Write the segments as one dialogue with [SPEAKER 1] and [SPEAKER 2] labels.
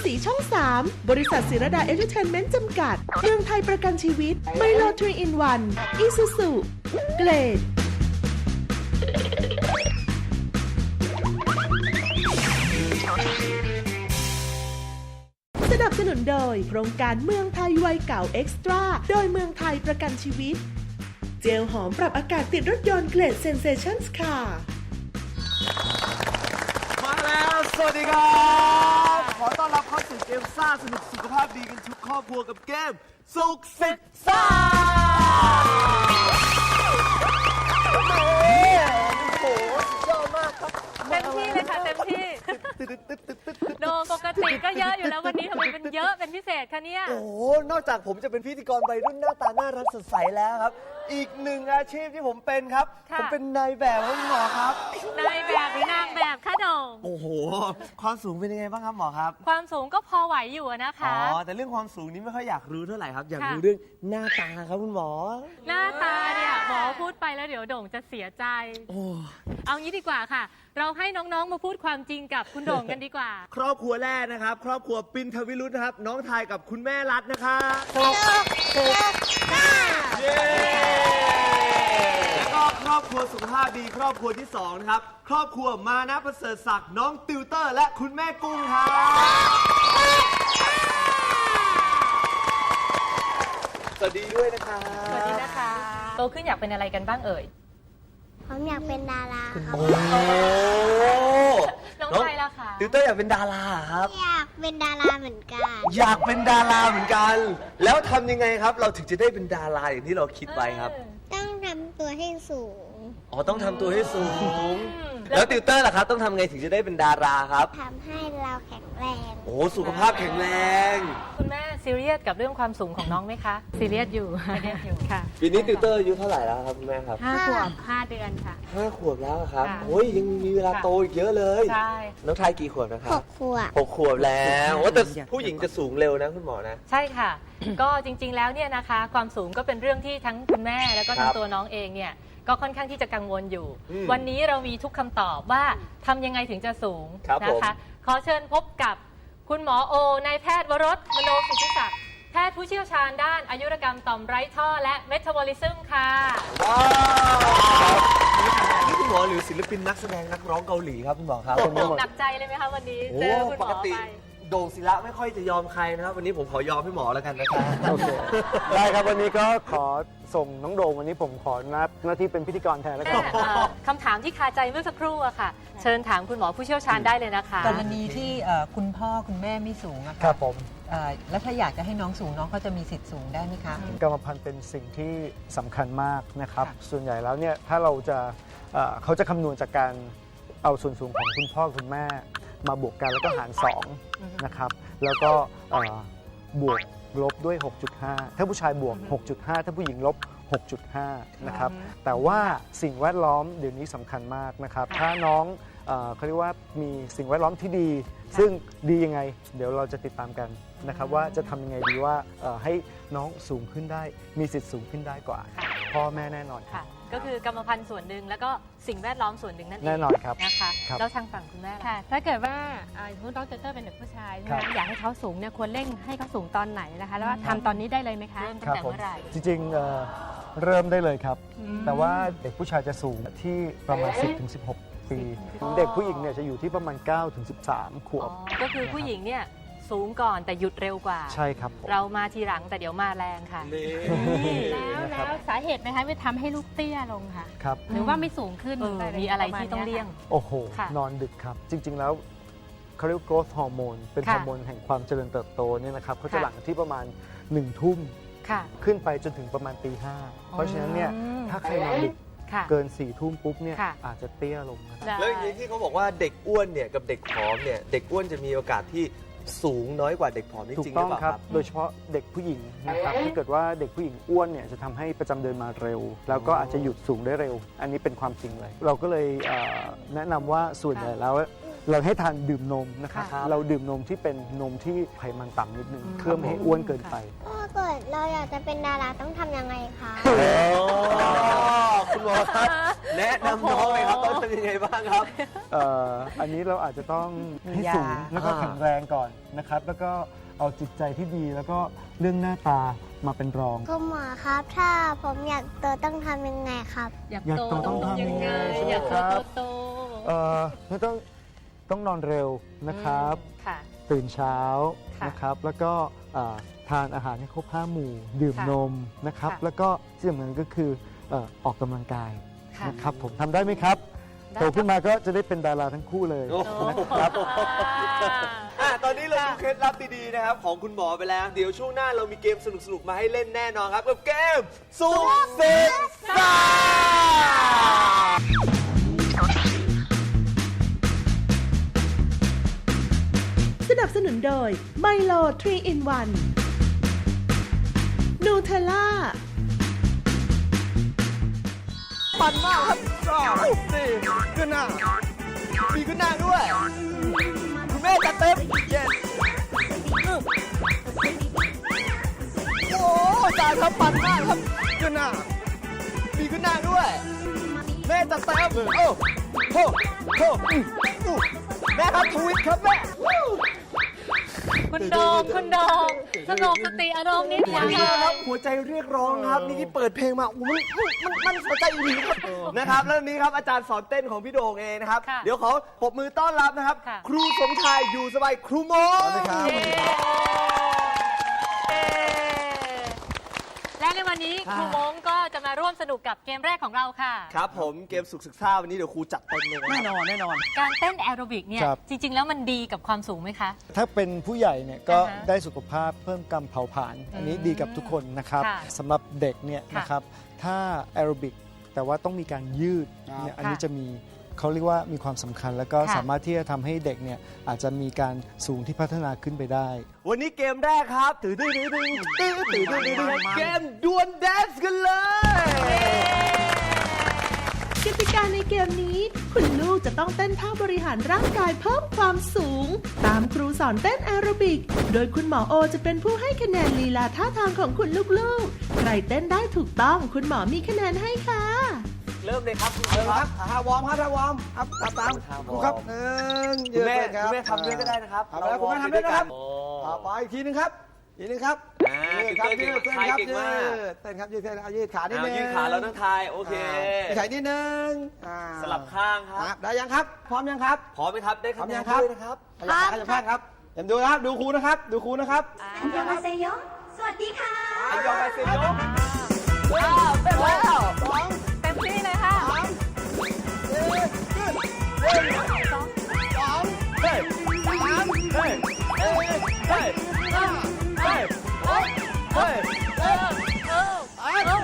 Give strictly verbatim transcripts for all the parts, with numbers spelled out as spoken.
[SPEAKER 1] สีช่องสามบริษัทศิรดาเอนเตอร์เทนเมนต์จำกัดเมืองไทยประกันชีวิตไมโลทรีอินวันอีซูซูเกรดสนับสนุนโดยโครงการเมืองไทยวัยเก่าเอ็กซ์ตร้าโดยเมืองไทยประกันชีวิตเจลหอมปรับอากาศติดรถยนต์เกรดเซนเซชั่นส์ค่ะ
[SPEAKER 2] มาแล้วสวัสดีครับขอต้อนรับเข้าสู่เกมซ่าสนุกสุขภาพดีกันทุกครอบครัวกับเกมสุขสิทธิ์ซ่าโอ้โหสุดยอดมากครับ
[SPEAKER 3] เต็มที่เลยค่ะเต็มที่โดปกติก็เยอะอยู่แล้ววันนี้ทำไมเป็นเยอะเป็นพิเศษคะเนี่ย
[SPEAKER 2] โอ้โหนอกจากผมจะเป็นพิธีกรวัยรุ่นหน้าตาน่ารักสดใสแล้วครับอีกหนึ่งอาชีพที่ผมเป็นครับผมเป็นนายแบบครับหมอครับ
[SPEAKER 3] นายแบบหรือนางแบบคะโด
[SPEAKER 2] โอ้โหความสูงเป็นยังไงบ้างครับหมอครับ
[SPEAKER 3] ความสูงก็พอไหวอยู่นะคะ
[SPEAKER 2] อ๋อแต่เรื่องความสูงนี้ไม่ค่อยอยากรู้เท่าไหร่ครับอยากรู้เรื่องหน้าตาครับคุณหมอ
[SPEAKER 3] หน้าตาเนี่ยหมอพูดไปแล้วเดี๋ยวโด่งจะเสียใจโอ้เอางี้ดีกว่าค่ะเราให้น้องๆมาพูดความจริงกับคุณโด่งกันดีกว่า
[SPEAKER 2] ครอบครัวแรกนะครับครอบครัวปินทวิรุธนะครับน้องทายกับคุณแม่รัตน์นะครับเย้แล้วก็ครอบครัวสุขภาพดีครอบครัวที่สองนะครับครอบครัวมานะประเสริฐศักดิ์น้องติวเตอร์และคุณแม่กุ้งครับสวัสดีด้วยนะคะ
[SPEAKER 3] สวัสดีนะคะโตขึ้นอยากเป็นอะไรกันบ้างเอ่ย
[SPEAKER 4] ผมอยากเป็นดาราครับ
[SPEAKER 3] น้องชายล่ะคะ
[SPEAKER 2] ติวเตอร์อยากเป็นดาราครับ
[SPEAKER 4] อยากเป็นดาราเหมือนกัน
[SPEAKER 2] อยากเป็นดาราเหมือนกันแล้วทำยังไงครับเราถึงจะได้เป็นดาราอย่างที่เราคิดไว้ครับ
[SPEAKER 4] ต้องทำตัวให้สูง
[SPEAKER 2] อ๋อต้องทำตัวให้สูงแล้วติวเตอร์ล่ะครับต้องทำไงถึงจะได้เป็นดาราครับ
[SPEAKER 4] ทำให้เราแข็งแรง
[SPEAKER 2] โอ้สุขภาพแข็งแรง
[SPEAKER 3] คุณแม่ซีเรียสกับเรื่องความสูงของน้องไหมคะซีเรียสอยู่ซีเรียสอยู่ค่ะ
[SPEAKER 2] ปีนี้ติวเตอร์อายุเท่าไหร่แล้วครับคุณแม่ครับ
[SPEAKER 3] ห้าขวบห้าเดือนค่ะ
[SPEAKER 2] ห้าขวบแล้วครับโอ้ยยังมีเวลาโตอีกเยอะเลย
[SPEAKER 3] ใช่
[SPEAKER 2] น้องทายกี่ขวบนะครับ
[SPEAKER 4] หกขวบ
[SPEAKER 2] หกขวบแล้วว่าแต่ผู้หญิงจะสูงเร็วนะคุณหมอนะ
[SPEAKER 3] ใช่ค่ะก็จริงๆแล้วเนี่ยนะคะความสูงก็เป็นเรื่องที่ทั้งคุณแม่แล้วก็ทั้งตัวน้องเองเนี่ยก็ค่อนข้างที่จะกังวลอยู่วันนี้เรามีทุกคำตอบว่าทำยังไงถึงจะสูงนะคะขอเชิญพบกับคุณหมอโอนายแพทย์วรสมโนสิทธิศักดิ์แพทย์ผู้เชี่ยวชาญด้านอายุรกรรมต่อมไร้ท่อและเมตาบอลิซึมค่ะ
[SPEAKER 2] ว้าวนี่คุณหมอหรือศิลปินนักแสดงนักร้องเกาหลีครับคุณหมอครับ
[SPEAKER 3] หนักใจเลยไหมคะวันนี้เจอคุณหมอไป
[SPEAKER 2] โด่งศิระไม่ค่อยจะยอมใครนะครับวันนี้ผมขอยอมพี่หมอแล้วกันนะครับ
[SPEAKER 5] โอเคได้ครับวันนี้ก็ขอส่งน้องโด่งวันนี้ผมขอนับหน้าที่เป็นพิธีกรแทนแล้วกัน
[SPEAKER 3] คำถามที่คาใจเมื่อสักครู่อะค่ะเชิญถามคุณหมอผู้เชี่ยวชาญได้เลยนะคะ
[SPEAKER 6] กรณีที่คุณพ่อคุณแม่ไม่สูงอะ
[SPEAKER 5] ครับผม
[SPEAKER 6] แล้วถ้าอยากจะให้น้องสูงน้องเขาจะมีสิทธิ์สูงได้ไหมคะ
[SPEAKER 5] กรรมพันธุ์เป็นสิ่งที่สำคัญมากนะครับส่วนใหญ่แล้วเนี่ยถ้าเราจะเขาจะคำนวณจากการเอาส่วนสูงของคุณพ่อคุณแม่มาบวกกันแล้วก็หารสองนะครับแล้วก็บวกลบด้วย หกจุดห้า ถ้าผู้ชายบวก หกจุดห้า ถ้าผู้หญิงลบ หกจุดห้า นะครับแต่ว่าสิ่งแวดล้อมเดี๋ยวนี้สำคัญมากนะครับถ้าน้องเขาเรียกว่ามีสิ่งแวดล้อมที่ดีซึ่งดียังไงเดี๋ยวเราจะติดตามกันนะครับว่าจะทำยังไงดีว่าให้น้องสูงขึ้นได้มีสิทธิ์สูงขึ้นได้กว่าพ่อแม่แน่นอน
[SPEAKER 3] ค่ะก็คือกรรมพันธุ์ส่วนหนึ่งแล้วก็สิ่งแวดล้อมส่วนหนึ่งนั่นเอง
[SPEAKER 5] แน่นอนครับ
[SPEAKER 3] นะคะแล้วทางฝั่งคุณแม่
[SPEAKER 7] ค่ะถ้าเกิดว่าคุณน้องเตอร์เป็นเด็กผู้ชายใช่ไหมอยากให้เขาสูงเนี่ยควรเร่งให้เขาสูงตอนไหนนะคะแล้วทำตอนนี้ได้เลยไหมคะ
[SPEAKER 3] เริ่มตั้งแต่เมื่อไหร่
[SPEAKER 5] จริงๆเริ่มได้เลยครับแต่ว่าเด็กผู้ชายจะสูงที่ประมาณ สิบถึงสิบหก ปีเด็กผู้หญิงเนี่ยจะอยู่ที่ประมาณ เก้าถึงสิบสาม ขวบ
[SPEAKER 3] ก็คือผู้หญิงเนี่ยสูงก่อนแต่หยุดเร็วกว่า
[SPEAKER 5] ใช่ครับ
[SPEAKER 3] เรามาทีหลังแต่เดี๋ยวมาแรงค่ะ
[SPEAKER 7] แล้วแล้วสาเหตุไหมคะไม่ทำให้ลูกเตี้ยลงค่ะ
[SPEAKER 5] ครับ
[SPEAKER 7] หรือว่าไม่สูงขึ้น
[SPEAKER 3] มีอะไรที่ต้องเลี่ยง
[SPEAKER 5] โอ้โหนอนดึกครับจริงๆแล้วเขาเรียก growth hormone เป็นฮอร์โมนแห่งความเจริญเติบโตเนี่ยนะครับเขาจะหลั่งที่ประมาณหนึ่งทุ่มขึ้นไปจนถึงประมาณตีห้าเพราะฉะนั้นเนี่ยถ้าใครนอนดึกเกินสี่ทุ่มปุ๊บเนี่ยอาจจะเตี้ยลง
[SPEAKER 2] นะครับแล้วอย่างนี้ที่เขาบอกว่าเด็กอ้วนเนี่ยกับเด็กผอมเนี่ยเด็กอ้วนจะมีโอกาสที่สูงน้อยกว่าเด็กผอมจริงๆหรือเปล่าครับ
[SPEAKER 5] โดยเฉพาะเด็กผู้หญิงนะครับถ้าเกิดว่าเด็กผู้หญิงอ้วนเนี่ยจะทำให้ประจำเดือนมาเร็วแล้วก็อาจจะหยุดสูงได้เร็วอันนี้เป็นความจริงเลยเราก็เลยแนะนำว่าส่วนใหญ่แล้วเราให้ทานดื่มนมนะครับเราดื่มนมที่เป็นนมที่ไขมันต่ำนิดนึงเพื่อไม่ให้อ้วนเกินไป
[SPEAKER 4] ถ้าเกิดเราอยากจะเป็นดาราต้องทำยังไงคะ
[SPEAKER 2] คุณหมอครับแนะนำน้องเลยครับต้องทำยังไงบ้างครับ
[SPEAKER 5] เอ่ออันนี้เราอาจจะต้องให้สูงแล้วก็แข็งแรงก่อนนะครับ แล้วก็เอาจิตใจที่ดีแล้วก็เรื่องหน้าตามาเป็นรอง
[SPEAKER 4] คุณหมอครับ ถ้าผมอยากโตต้องทำยังไงครับ
[SPEAKER 3] อยาก
[SPEAKER 5] อยาก
[SPEAKER 3] โต
[SPEAKER 5] โตต้องทำยังไง
[SPEAKER 3] อยากโต
[SPEAKER 5] ครับ
[SPEAKER 3] โต
[SPEAKER 5] เอ่อไม่ต้องต้องนอนเร็วนะครับ
[SPEAKER 3] ค่ะ
[SPEAKER 5] ตื่นเช้า
[SPEAKER 3] ค่ะ
[SPEAKER 5] นะครับ แล้วก็เอ่อทานอาหารให้ครบห้าหมู่ ดื่ม
[SPEAKER 3] ค่ะ
[SPEAKER 5] นมนะครับ
[SPEAKER 3] ค่ะ
[SPEAKER 5] แล้วก็ที่สำคัญก็คือเอ่อออกกำลังกาย
[SPEAKER 3] ค่ะ
[SPEAKER 5] นะครับผมทำได้ไหมครับ
[SPEAKER 3] ได้
[SPEAKER 5] โตขึ้นมาก็จะได้เป็นดาราทั้งคู่เลย
[SPEAKER 2] โอ้โห
[SPEAKER 5] นะครับ
[SPEAKER 2] อ่ะตอนนี้เราดูเคล็ดลับดีๆนะครับของคุณหมอไปแล้ว เดี๋ยวช่วงหน้าเรามีเกมสนุกๆมาให้เล่นแน่นอนครับกับเกมสุขศึกษา
[SPEAKER 1] สนับสนุนโดยไมโลทรี in วันนูเทลล่า
[SPEAKER 2] ปั่นมากครับสองสี่ขึ้นหน้ามีขึ้นหน้าด้วย คุณแม่จัดเต็มเย็นโอ้จานครับปั่นมากครับขึ้นหน้ามีขึ้นหน้าด้วย แม่จัดเต็มโอ้โหโหอื้ออื้อแม่ครับทวิตครับแม่
[SPEAKER 3] คุณโดมคุณโดมสงบสติอารมณ์นิด
[SPEAKER 2] หัว
[SPEAKER 3] นึง
[SPEAKER 2] ใจครับหัวใจเรียกร้องครับนี่ที่เปิดเพลงมาโอ้มันมันมันหัวใจอีหลีครับนะครับแล้วนี้ครับอาจารย์สอนเต้นของพี่โด่งเองนะครับ เดี๋ยวขอปรบมือต้อนรับนะครับ ครูสมชายอยู่สบายครูโมนะครับ
[SPEAKER 3] เย้และในวันนี้ครูมงก็จะมาร่วมสนุกกับเกมแรกของเราค่ะ
[SPEAKER 2] ครับผมเกมสุขศึกษาวันนี้เดี๋ยวครูจัดเต็มเลยแน่นอนแน่นอน
[SPEAKER 3] การเต้นแอโรบิกเนี่ย
[SPEAKER 5] ครับ
[SPEAKER 3] จริง ๆ แล้วมันดีกับความสูงไหมคะ
[SPEAKER 5] ถ้าเป็นผู้ใหญ่เนี่ยก็
[SPEAKER 3] อ่าฮะ
[SPEAKER 5] ได้สุขภาพเพิ่มการเผาผลาญอันนี้ดีกับทุกคนนะครับ
[SPEAKER 3] ค่ะ
[SPEAKER 5] สำหรับเด็กเนี่ย
[SPEAKER 3] ค่ะ
[SPEAKER 5] นะครับถ้าแอโรบิกแต่ว่าต้องมีการยืดเนี่ยอันนี้
[SPEAKER 3] ค่ะ
[SPEAKER 5] จะมีเขาเรียกว่ามีความสำคัญ แล้วก็
[SPEAKER 3] ค่ะ
[SPEAKER 5] สามารถที่จะทำให้เด็กเนี่ยอาจจะมีการสูงที่พัฒนาขึ้นไปได้
[SPEAKER 2] วันนี้เกมแรกครับตื่นตื่นตื่นตื่นตื่นตื่นตื่นตื่นเกมดวลแดนซ์กันเลย
[SPEAKER 1] กติกาในเกมนี้ คุณลูกจะต้องเต้นท่าบริหารร่างกายเพิ่มความสูง ตามครูสอนเต้นแอโรบิก โดยคุณหมอโอจะเป็นผู้ให้คะแนนลีลาท่าทางของคุณลูกๆ ใครเต้นได้ถูกต้องคุณหมอมีคะแนนให้ค่ะ
[SPEAKER 2] เริ่มเลยครับ
[SPEAKER 8] เริ่มครับท่าวอร์มครับท่าวอร์มครับตามตามครูครับหนึ่ง
[SPEAKER 2] คุณแม่
[SPEAKER 8] ยืน
[SPEAKER 2] คุณแม่ทำด้วยก็ได้นะครับ
[SPEAKER 8] ทำแล้วคุณแม่ทำด้วยนะครับ
[SPEAKER 2] โอ้
[SPEAKER 8] ต่อไปอีกทีหนึงครับอีกทีหนึงครับ
[SPEAKER 2] อ่า
[SPEAKER 8] ยืดครับ
[SPEAKER 2] เก่
[SPEAKER 8] ยื
[SPEAKER 2] ง
[SPEAKER 8] ด
[SPEAKER 2] เก่ง
[SPEAKER 8] เต้นครับ
[SPEAKER 2] เก่ง
[SPEAKER 8] ยื
[SPEAKER 2] มาก
[SPEAKER 8] ดเต้นครับยืดเต้นเอายืดขานิด
[SPEAKER 2] เอา
[SPEAKER 8] นึง
[SPEAKER 2] ยืดขาแล้วทั้งทายโอเค
[SPEAKER 8] ยืดขานิดนึงอ่า
[SPEAKER 2] สลับข้างค
[SPEAKER 8] ค
[SPEAKER 2] รั
[SPEAKER 8] รั
[SPEAKER 2] บบ
[SPEAKER 8] ได้ยังครับ พร้อมยังครับ
[SPEAKER 2] พร้อมไหมครับได้
[SPEAKER 8] พร้อ
[SPEAKER 2] คำ
[SPEAKER 8] ม
[SPEAKER 2] แน
[SPEAKER 8] ยั
[SPEAKER 2] น
[SPEAKER 8] งครับ
[SPEAKER 2] ด้วยนะครับ
[SPEAKER 8] ขยับขาขยับข้างครับเดี๋ยวดูนะครับดูครูนะครับ ดูครูนะครับ
[SPEAKER 4] อันยองอาเซโยสวัสดีค่ะ
[SPEAKER 2] อันยองไปเซโยอ้าวเต้นแล้ว
[SPEAKER 8] สอง
[SPEAKER 3] เต็มที่เลยค่ะ
[SPEAKER 8] สามสี่ขึ้นหนึ่งสอง
[SPEAKER 2] เฮ้ย
[SPEAKER 8] สาม
[SPEAKER 2] เฮ้ยเฮ้ยเฮ้ย
[SPEAKER 8] ห้า
[SPEAKER 2] เฮ้ยเฮ้ย
[SPEAKER 3] เออเออ
[SPEAKER 8] สามสอง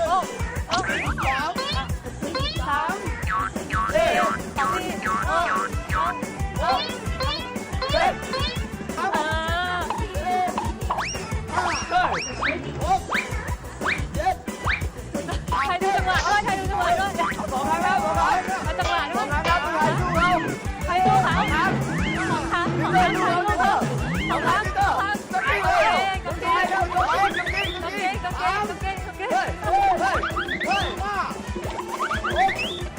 [SPEAKER 3] สาม
[SPEAKER 2] เฮ้ย
[SPEAKER 3] สามสี่เออเออ
[SPEAKER 2] เฮ้ย
[SPEAKER 3] เออ
[SPEAKER 2] เฮ้ย
[SPEAKER 8] หกเจ็ด
[SPEAKER 3] ใครดูจังหวะด้วยใครดูจังหวะด้วย
[SPEAKER 2] สองครั้งครับสองครั้ง
[SPEAKER 3] เอาจังหวะด้วย
[SPEAKER 2] ครับผู้ชายสู้เรา
[SPEAKER 3] ใครดูเขาครับสองครั้งสองครั้งสองครั้งสองครั้งสองครั้งโอเคโอเคโอเคโอเคโอเคโอเคโอเค
[SPEAKER 2] เฮ้ยเฮ้ยเฮ้ย
[SPEAKER 8] เฮ้ยห้าหก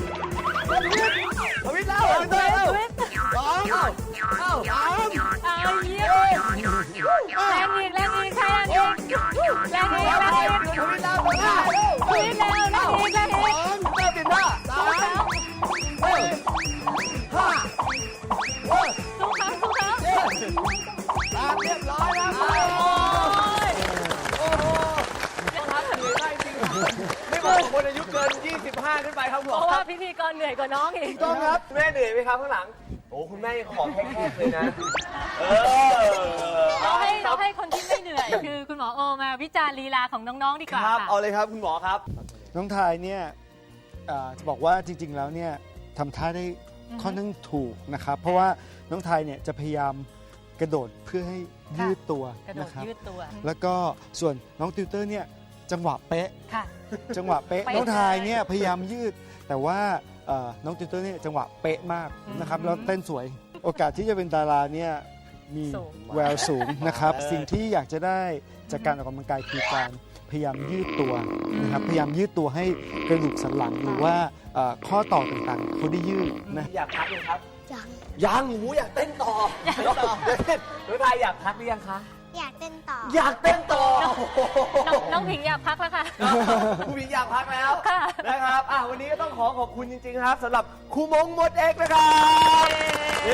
[SPEAKER 2] ทวิตแล้วทวิตแล้ว
[SPEAKER 8] สอง
[SPEAKER 2] เอ้าเอ้า
[SPEAKER 8] สาม
[SPEAKER 3] เอาเยี่ยมแรงอีกแรงอีกใครแรงอีกแรงอีกแรงอีก
[SPEAKER 2] ทวิตแล้วทวิตแล้ว
[SPEAKER 3] คุยแล้วแรงอีกแรงอีก
[SPEAKER 2] เต้นติดหน้า
[SPEAKER 8] สาม
[SPEAKER 2] เฮ้ย
[SPEAKER 8] ห้า
[SPEAKER 3] สู้เขาสู้เขา
[SPEAKER 8] สามเรียบร้อยแล้ว
[SPEAKER 3] โอ้ย
[SPEAKER 2] โอ้โหต้องทักเหนื่อยได้จริงไม่เหมาะกับคนอายุเกินยี่สิบห้าขึ้นไปครับผ
[SPEAKER 3] เพ
[SPEAKER 2] ม
[SPEAKER 3] ราะว่าพิธีกรเหนื่อยกว่าน้องอีก
[SPEAKER 2] ต้องครับแม่เหนื่อยไหมครับข้างหลังโอ้คุณแม่ยังขอแค่ๆเลยนะเออ
[SPEAKER 3] เราให้เราให้คนที่ไม่เหนื่อยคือคุณหมอโอมาวิจารณ์ลีลาของน้องๆดีก
[SPEAKER 2] ค
[SPEAKER 3] ว่า
[SPEAKER 2] รับ
[SPEAKER 3] ค่ะ
[SPEAKER 2] เอาเลยครับคุณหมอครับ
[SPEAKER 5] น้องทายเนี่ยเอ่อจะบอกว่าจริงๆแล้วเนี่ยทำท่าได้ค่อนข้างถูกนะครับ เพราะว่าน้องทายเนี่ยจะพยายามกระโดดเพื่อให้ยืดตัว
[SPEAKER 3] กระโดด
[SPEAKER 5] นะครับ
[SPEAKER 3] ยืดตัว
[SPEAKER 5] แล้วก็ส่วนน้องติวเตอร์เนี่ยจังหวะเป๊ะ
[SPEAKER 3] ค่ะ
[SPEAKER 5] จังหวะเป๊ะ
[SPEAKER 3] เป๊ะ
[SPEAKER 5] น้องทายเนี่ยพยายามยืด แต่ว่าเอ่อน้องติวเตอร์เนี่ยจังหวะเป๊ะมากนะครับ
[SPEAKER 3] อืม
[SPEAKER 5] แล้วเต้นสวย โอกาสที่จะเป็นดาราเนี่ยมี
[SPEAKER 3] สูง
[SPEAKER 5] แววสูงนะครับ
[SPEAKER 2] เออ
[SPEAKER 5] สิ่งที่อยากจะได้จากการออกกำลังกายคือการพพยายามยืดตัวนะครับพยายามยืดตัวให้กระดูกสันหลังหรือว่าเอ่อข้อต่อต่างๆเขาได้ยืดนะ
[SPEAKER 2] อยากพักยังครับ
[SPEAKER 4] ยัง
[SPEAKER 2] ยังหูอยากเต้นต่ออยากต่อน้องทายอยากพักหรือยังคะ
[SPEAKER 4] อยากเต้นต่อ
[SPEAKER 2] อยากเต้นต่อ
[SPEAKER 3] น้องน้องผิงอยากพักแล้วค่ะ
[SPEAKER 2] ผู้หญิงอยากพักแล้ว
[SPEAKER 3] ค่ะ
[SPEAKER 2] นะครับอ่ะวันนี้ก็ต้องขอขอบคุณจริงๆครับสำหรับครูมงมดเอกนะครับเย้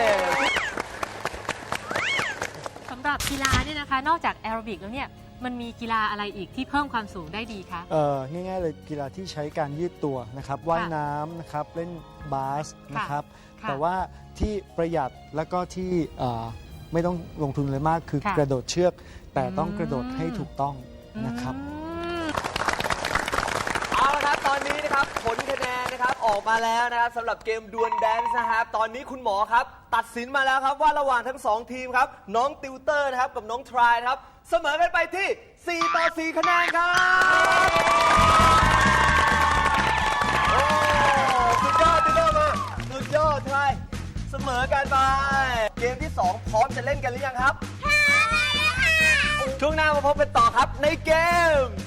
[SPEAKER 3] สำหรับกีฬาเนี่ยนะคะ นอกจากแอโรบิกแล้วเนี่ยมันมีกีฬาอะไรอีกที่เพิ่มความสูงได้ดีคะ
[SPEAKER 5] เอ่อง่ายๆเลยกีฬาที่ใช้การยืดตัวนะครับว่ายน้ำนะครับเล่นบาสนะครับ
[SPEAKER 3] ค่ะ
[SPEAKER 5] แต่ว่าที่ประหยัดแล้วก็ที่เอ่อไม่ต้องลงทุนเลยมากคือ
[SPEAKER 3] ค่ะ
[SPEAKER 5] กระโดดเชือก แต่ต้อง
[SPEAKER 3] อืม
[SPEAKER 5] กระโดดให้ถูกต้องนะครับ
[SPEAKER 3] อืม
[SPEAKER 2] เอาละครับตอนนี้นะครับผลคะแนนนะครับออกมาแล้วนะครับสำหรับเกมดวลแดนซ์นะครับตอนนี้คุณหมอครับตัดสินมาแล้วครับว่าระหว่างทั้งสองทีมครับน้องติวเตอร์นะครับกับน้องทรายนะครับเสมอกันไปที่สี่ต่อสี่คะแนนครับโอ้สุดยอดติวเตอร์มาสุดยอดทรายเสมอกันไปเกมที่สองพร้อมจะเล่นกันหรือยังครับช่วงหน้ามาพบกันต่อครับในเกม